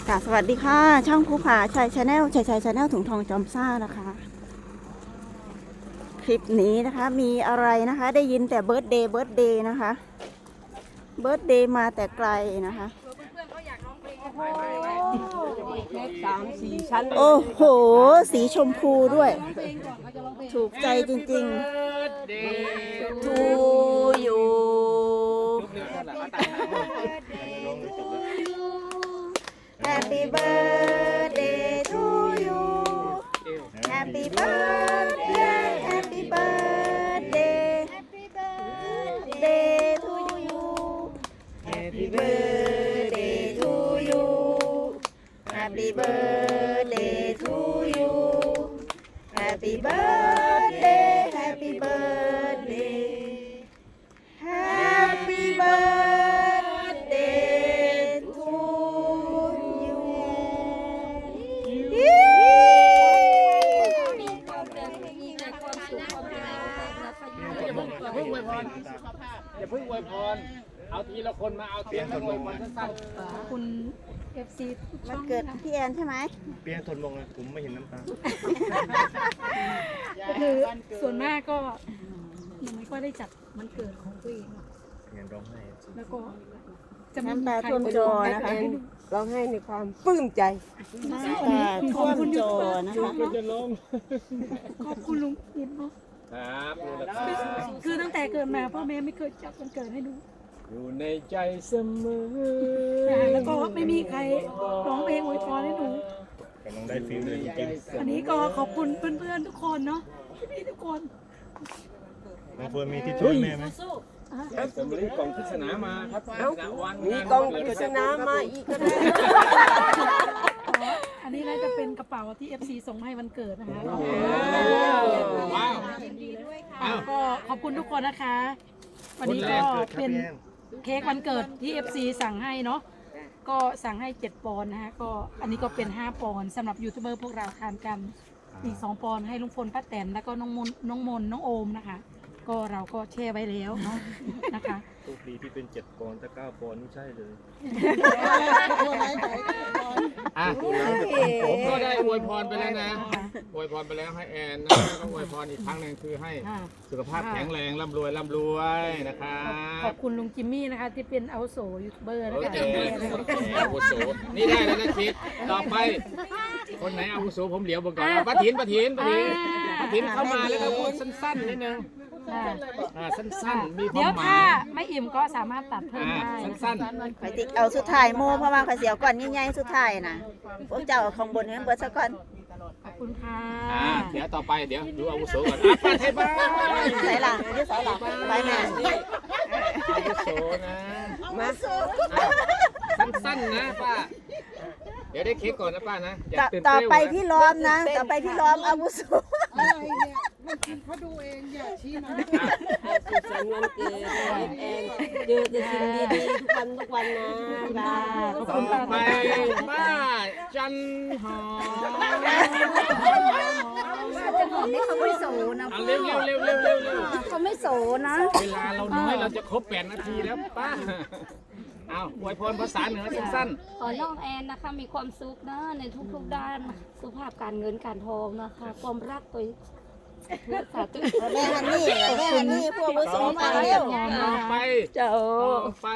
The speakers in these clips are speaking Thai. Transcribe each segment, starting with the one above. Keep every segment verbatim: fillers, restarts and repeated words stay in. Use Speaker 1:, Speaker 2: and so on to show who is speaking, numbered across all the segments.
Speaker 1: ค่ะสวัสดีค่ะช่องภูผาชัยชาแนลชัยชัยชาแนลถุงทองจอมซ่านะคะ คลิปนี้นะคะมีอะไรนะคะ ได้ยินแต่เบิร์ดเดย์เบิร์ดเดย์นะคะเบิร์ดเดย์มาแต่ไกลนะคะ
Speaker 2: สามสี่ชั้น
Speaker 1: โอ้โหสีชมพูด้วย ถูกใจจริงๆทูยูHappy birthday to you Happy birthday Happy birthday Happy birthday to you Happy birthday to you Happy birthday to you Happy birthday Happy birthday Happy birthday to you
Speaker 3: อย่าเพิ่งอวยพรอย่าเพิ่งอวยพรเอาทีละคนมาเอาเตียงแล้วอวยพรสั้น
Speaker 2: คุณ เอฟ ซี ทุกช่
Speaker 1: มั
Speaker 2: อน ง
Speaker 1: เกิดพี่แอนใช่ไหม
Speaker 4: เปียทนลงนะผมไม่เห็นน้ำตา
Speaker 2: ก็คือส่วนมากก็ยังไม่ค่อยได้จัดมันเกิดของตัวเองหรอก
Speaker 4: เงินร้องไห้จริง
Speaker 2: แล้วก็จะไม่
Speaker 1: น้ำ
Speaker 2: มี
Speaker 1: ตา
Speaker 2: ใคร
Speaker 1: ท่วมจอนะคะ
Speaker 5: ร้องไห้ในความปลื้มใจ
Speaker 1: น้ำตาท่วมจอนะคะ
Speaker 3: ๆจะลง
Speaker 2: ขอบคุณลุงอิมเนาะ
Speaker 3: ครับดูแลครับ
Speaker 2: คือตั้งแต่เกิดมาพ่อแม่ไม่เคยจัดวันเกิดให้ดู
Speaker 3: อยู่ในใจเสมอ
Speaker 2: แล้วก็ไม่มีใครร้องเพลงอวยพรให้หนู
Speaker 4: กำลังได้ฟิลเลยจริง
Speaker 2: อันนี้ก็ขอบคุณเพื่อนๆทุกคนเนาะพี่ๆทุกคน
Speaker 4: ๆน้องเฟิร์นมีที่ช่วยแม่ไหม
Speaker 3: สมรีกล่องพิศนามาครับ
Speaker 5: เอ้า
Speaker 3: วัน
Speaker 5: มีกองปริศนามาอีกก็ได้
Speaker 2: อันนี้น่าจะเป็นกระเป๋าที่ เอฟ ซี ส่งมาให้วันเกิดนะคะ
Speaker 3: ว้าว
Speaker 2: อ่ะก็ขอบคุณทุกคนนะคะ วันนี้ก็เป็นเค้กวันเกิดที่ เอฟ ซี สั่งให้เนาะก็สั่งให้เจ็ดปอนด์นะฮะก็อันนี้ก็เป็นห้าปอนด์สำหรับยูทูบเบอร์พวกเราทานกันอีกสองปอนด์ให้ลุงพลป้าแตนแล้วก็น้องมนน้องมนน้องโอมนะคะ ก็เราก็แช่ไว้แล้วเนาะนะคะ
Speaker 4: โชคดีที่เป็นเจ็ดปอนด์ถ้าเก้าปอนด์นี่ใช่เลย
Speaker 3: อ่ะผมก็ได้อวยพรไปแล้วนะอวยพรไปแล้วให้แอนนะแล้วก็อวยพรอีกครั้งหนึ่งคือให้
Speaker 2: ค่ะ
Speaker 3: สุขภาพแข็งแรงร่ำรวยร่ำรวยนะครั
Speaker 2: ข
Speaker 3: บ
Speaker 2: อบคุณลุงจิมมี่นะคะที่เป็นอาวุโสยูทูบเบอร์นะ
Speaker 3: โอ
Speaker 2: คะ
Speaker 3: เคอาวุโสนี่ได้แล้วนะคิดต่อไป คนไหนอาวุโสผมเหลียวบอกก่อนป้าถินป้าถินป้าถินป้าถินเข้ามาแล้วก็พูดสั้นๆนิดนึง
Speaker 2: ค่ะ
Speaker 3: อ่าสั้นๆมีควา
Speaker 2: เดี๋ยว
Speaker 3: มหมา
Speaker 2: ถ้าย ไม่อิ่มก็สามารถตัดเพิ่ม
Speaker 3: อ่า
Speaker 2: ได้
Speaker 3: สั้น
Speaker 1: ไปติเอาสุดท้ายโมเพราะว่าข้าเสียวก่อนใหญ่ๆสุดท้ายนะพวกเจ้าเอาของบนนี้เบิดซะก่อน
Speaker 2: ขอบคุณค่ะ
Speaker 3: ๆอ่าเดี๋ยวต่อไปเดี๋ยวดูอาวุโสก่อนอ่ะป้าไทยบ้าน
Speaker 1: ใส่หลังยืดใส่หลังไปแม่
Speaker 3: อาวุโสนะ
Speaker 5: มา
Speaker 3: อ่ะสั้นๆนะป้าเดี๋ยวได้เค้กก่อนนะป้านะอย่า
Speaker 1: ต่อ
Speaker 3: ตื่น
Speaker 1: ต่อ
Speaker 3: เต้น
Speaker 1: ไป
Speaker 3: นะ
Speaker 1: พี่ล้อมนะ ต่อไปพี่ล้อมอาวุโส
Speaker 5: สุขสันต์วันเกิดแอนเจอแต่สิ่งดีๆทุกวันทุกวันนะบ้า
Speaker 2: ขอบ
Speaker 3: ต่
Speaker 2: คุ
Speaker 3: อ
Speaker 2: ณป้า
Speaker 3: ไปป้าจันหอม
Speaker 1: จะหอมนี่เขาไม่โสนะ
Speaker 3: เอาเร็วเร็วเร็วเร็วเร็วเร็ว
Speaker 1: เขาไม่โสนะ
Speaker 3: เวลาเราน้อยเราจะครบแปดนาทีแล้วป้าเอาอวยพรภาษาเหนือสั้น
Speaker 6: ขอน้องแอนนะคะมีความสุขนะในทุกๆด้านสุขภาพการเงินการทองนะคะความรักตัวสาธุ
Speaker 1: แม่ฮันนี่แม่ฮันนี่พวกอาวุ
Speaker 3: ๆ
Speaker 1: โส
Speaker 3: ต่อไป
Speaker 1: มาเร็ว
Speaker 3: ต่อไป
Speaker 5: เจ้า
Speaker 3: ต่อไป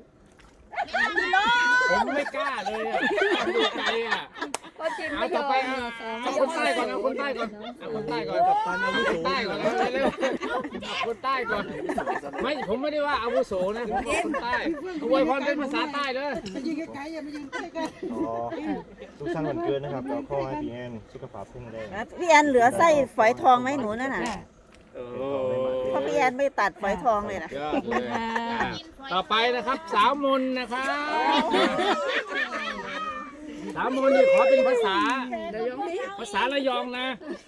Speaker 3: ผมไม่กล้าเลยอ่ะดูใจอ่ะเอาต่อไปเอาเอาคนใต้ก่อนเอาคนใต้ก่อนเอาคนใต้ก่อนกับตันอาวุโสใต้ก่อนเร็วเอาคนใต้ก่อนไม่ผมไม่ได้ว่าอาวุโสนะผมว่าคนใต้อวยพรเป็นภาษาใต้เลย
Speaker 4: อ๋อทุกท่านวันเกิดนะครับเราขอให้พี่แอนสุขภาพแข็งแรง
Speaker 1: พี่แอนเหลือไส้ฝอยทองไหมหนูนั่นน่ะ
Speaker 3: โอ้
Speaker 1: เพราะพี่แอนไม่ตัดฝอยทองเลยนะ
Speaker 3: ยอดเลยอ่ะต่อไปนะครับสาวมนนะครับสามมนนี่ขอเป็นภาษาภาษาระยองนะ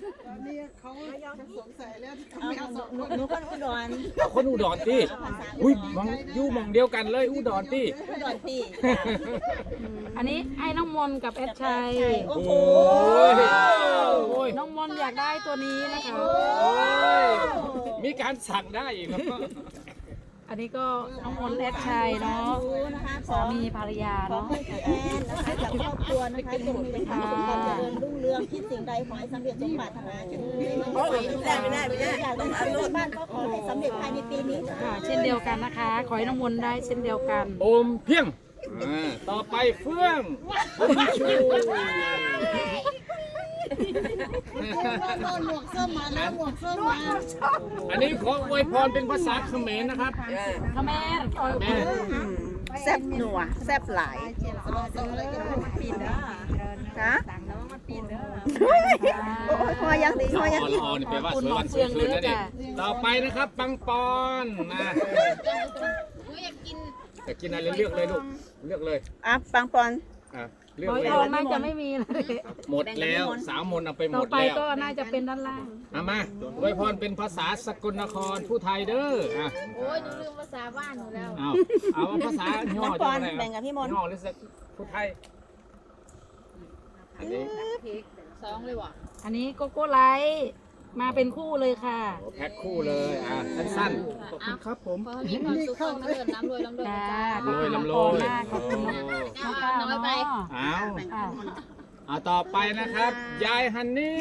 Speaker 1: หนูคนอุดร
Speaker 3: เอาคนอุดรที่อุ้ยมองอยู่หมองเดียวกันเลยอุดรที่
Speaker 1: อุดรตี
Speaker 2: อันนี้ให้น้องมนกับแอดชัย
Speaker 1: โอ้โห
Speaker 3: โอ้ย
Speaker 2: น้องมนอยากได้ตัวนี้นะคะ
Speaker 3: โอ้ยมีการสั่งได้อีกครับ
Speaker 2: อันนี้ก็น้องมนต์แอดชัยเนาะสามีภรรยาเนาะ
Speaker 1: แอนนะคะจากครอบครัวนะคะจงมีแต่ความสุขความเจริญรุ่งเรืองคิดสิ่งใดขอให้สำเร็จสมปรารถนาไม่ได้ไม่ได้ไม่ได้อยากได้ซื้อบ้านก็ขอให้สำเร็จภายในปีนี้
Speaker 2: ค่ะเช่นเดียวกันนะคะ ขอให้น้ำมนต์ได้เช่นเดียวกัน
Speaker 3: โอมเพียงอ่าต่อไปเฟื่องชู
Speaker 1: หมวกส้มมาแล้วหมวกส้มมา
Speaker 3: อันนี้ขออวยพรเป็นภาษาเขมรนะครับ
Speaker 2: ขแม่เออ
Speaker 3: แม่
Speaker 1: แซ่บหนัวแซ่บหลายฮะโอ้ยพอยังดีพอยัง
Speaker 3: อ
Speaker 1: ดี
Speaker 3: อนี่แปลว่าสวยวันสวยคืนนั่นเองต่อไปนะครับปังปอนนะอยากกินอะไรเลือกเลยลูกเลือกเลย
Speaker 1: อ่ะปังปอน
Speaker 3: อ่ะเลือก
Speaker 2: ร้อย
Speaker 3: เลย
Speaker 2: ทองน่าจะไม่มีเลย
Speaker 3: หมดแล้วสาวมนต์เอาไปห
Speaker 2: ต่
Speaker 3: ม
Speaker 2: อ
Speaker 3: ด
Speaker 2: ไป
Speaker 3: แล้ว
Speaker 2: ก็น่าจะเป็นด้านล่าง
Speaker 3: เอามาอวยพรเป็นภาษาสกลนครผู้ไทยเด้ออ่ะ
Speaker 6: โอ้ยหนูลืมภาษาบ้านหนูแล้ว
Speaker 3: เอาเอาภาษาย่อ
Speaker 1: ปังป
Speaker 3: จะ
Speaker 1: อน
Speaker 3: อะไร
Speaker 1: แบ่งกับพี่มนต์
Speaker 3: ย่อหรือสักผู้ไทยอันนี้
Speaker 6: สองเลยว่ะ
Speaker 2: อันนี้โกโก้ไลท์มาเป็นคู่เลยค่ะ
Speaker 3: แพ็คคู่เลยอ่ะสั้น
Speaker 4: ขอบคุณครับผม
Speaker 6: เพราะมีความสุขความเจริญน้ำรวยน้ำรวย
Speaker 2: จ้า
Speaker 6: จ้า
Speaker 3: ๆ
Speaker 2: ขอบ
Speaker 3: รวย
Speaker 2: คุณน้อง
Speaker 3: ลำโร
Speaker 2: ปอน
Speaker 3: ย
Speaker 2: มากขอบคุณน้องน้องก้าว
Speaker 6: น้อยไป
Speaker 2: เนาะ
Speaker 3: เอา
Speaker 2: อ่ะ
Speaker 3: เอาต่อไปนะครับ ยายฮันนี่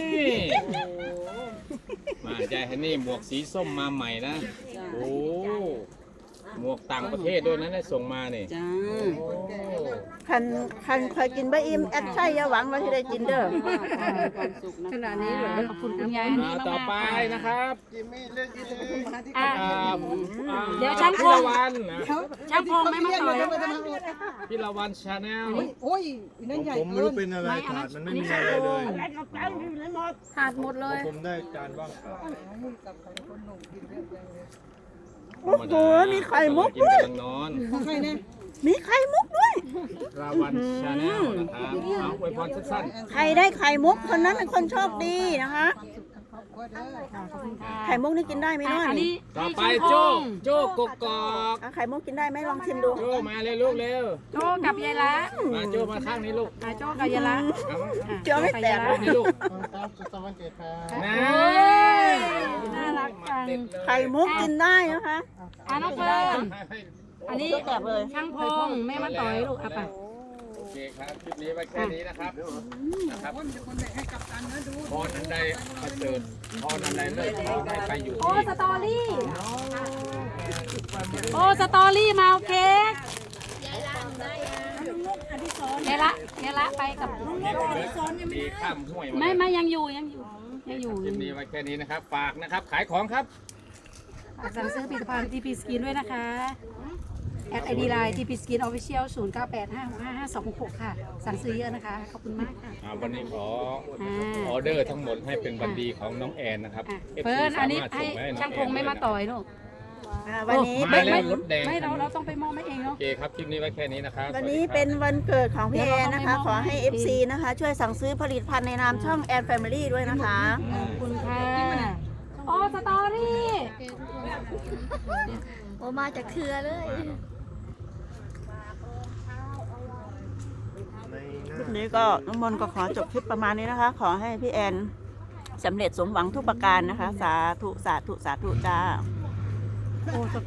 Speaker 3: มายายฮันนี่หมวกสีส้มมาใหม่นะโอ้หมวกต่างประเทศด้วยนะได้ส่งมาเนี่ย
Speaker 5: จ้า
Speaker 3: โอ้
Speaker 1: คันคันเคยกินบะอิ่มแอดใช่อย่าหวังว่าจะได้กินเด้อ
Speaker 5: ความสุขนะขนาดนี้เหรอ
Speaker 2: ขอบคุณคุณยายฮันนี่
Speaker 3: อ่าม
Speaker 2: ากๆ
Speaker 3: ต่อไปนะครับ
Speaker 2: อ่ะ
Speaker 3: อ่าอ่า
Speaker 2: เดี๋ยวช่างพ
Speaker 3: พี่
Speaker 2: ง
Speaker 3: ละวันนะ
Speaker 2: ช่างพงไม่มาต่อย
Speaker 3: พี่ละวันชาแนล
Speaker 4: ผมไม่รู้เป็นอะไรถาดมันไม่มีอะไรเลย
Speaker 6: ขาดหมดเลย
Speaker 4: ผมได้จานว่างเปล่า
Speaker 1: โอ้โหมีไข่มุก
Speaker 3: กิน
Speaker 1: ด้วย
Speaker 3: กำลังนอน
Speaker 1: มีไข่มุกด้วย
Speaker 3: ราวันชาแนลนะครับเอาอวยพรสั้น
Speaker 1: ใครได้ไข่มุกคนนั้นเป็นคนโชคดีนะคะ ไข่มุกนี่กินได้ไหมน้อย
Speaker 2: อันนี้
Speaker 3: ๆต่อ
Speaker 2: ให้
Speaker 3: ไป
Speaker 2: ช่างพ
Speaker 3: โจ้
Speaker 2: ง
Speaker 3: โจ้กกอก
Speaker 1: อ่ะไข่มุกกินได้ไหมลองชิมดู
Speaker 3: โจ้มาเลยลูกเร็ว
Speaker 2: โจกับยายละ
Speaker 3: มาโจ้มาข้างนี้ลูก
Speaker 2: อ่ะโจกับยายละ
Speaker 3: เอา
Speaker 2: อ่ะ
Speaker 1: เดี๋ยวไม่แตก
Speaker 2: โจ้บ
Speaker 3: นี่
Speaker 2: ยายละ
Speaker 3: ลูก
Speaker 2: โอ้
Speaker 3: นะ
Speaker 2: ยน่ารักจัง
Speaker 1: ไข่มุกกินได้นะคะ
Speaker 2: อ่ะน้องเฟิร์นอันนี้
Speaker 1: แตกเลย
Speaker 2: ช่างพงแม่มาต่อยลูกอ่ะไป
Speaker 3: โอเคครับคลิปนี้ไว้แค่นี้นะครับนะครับพรอันใดประเสริฐพรอันใดเลิศขอให้ไปอยู่
Speaker 2: โอ้
Speaker 3: ที่
Speaker 2: สตอรี่โอ้สตอรี่มาเอาเค้กยายละยายละไปกับ
Speaker 3: มีข้ามห้วย
Speaker 2: ไม่ไม่ยังอยู่ยังอยู่ยังอยู่
Speaker 3: คลิปนี้ไว้แค่นี้นะครับ ฝากนะครับ ขายของครับ
Speaker 2: ฝากสั่งซื้อผลิตภัณฑ์ทีพีสกินด้วยนะคะแอดไอดีไลน์ทีพีสกินออฟฟิเชียลศูนย์เก้าแปดห้าหกห้าห้าสองหกค่ะ สั่งซื้อเยอะนะคะ ขอบคุณมากค่ะ
Speaker 3: อ่าวันนี้ขอ
Speaker 2: อ่า
Speaker 3: ออเดอร์ทั้งหมดให้เป็นวันดีของน้องแอนนะครับ
Speaker 2: อ่ะ
Speaker 3: อฟซี
Speaker 2: เฟิร์นอันนี้
Speaker 3: สามารถ
Speaker 2: ให้
Speaker 3: ส่งไป
Speaker 2: ช่างพงไม่มาต่อยลูก
Speaker 1: อ่าวันนี้
Speaker 3: มา
Speaker 1: เป็น
Speaker 3: แล้วรถแดง
Speaker 2: ไม่เราเราต้องไปมอบให้เองเนาะ
Speaker 3: โอเคครับ คลิปนี้ไว้แค่นี้นะครับ
Speaker 1: วันนี้
Speaker 3: สสดีครับ
Speaker 1: เป็นวันเกิดของพี่แอนนะคะ
Speaker 2: เดี๋ยวเราต้องไปมอบ
Speaker 1: ขอให้
Speaker 2: ให้
Speaker 1: เอฟ ซี นะคะ ช่วยสั่งซื้อผลิตภัณฑ์ในนามช่องแอนแฟมิลี่ด้วยนะคะ
Speaker 2: ขอบคุณค่ะโอ้สตอรี่
Speaker 6: โอมาจากเครือเลย
Speaker 4: ในห
Speaker 1: คลิป
Speaker 4: น้า
Speaker 1: นี้ก็น้องมนต์ก็ขอจบคลิปประมาณนี้นะคะ ขอให้พี่แอนสำเร็จสมหวังทุกประการนะคะ สาธุ สาธุ สาธุจ้า
Speaker 2: โอ้ส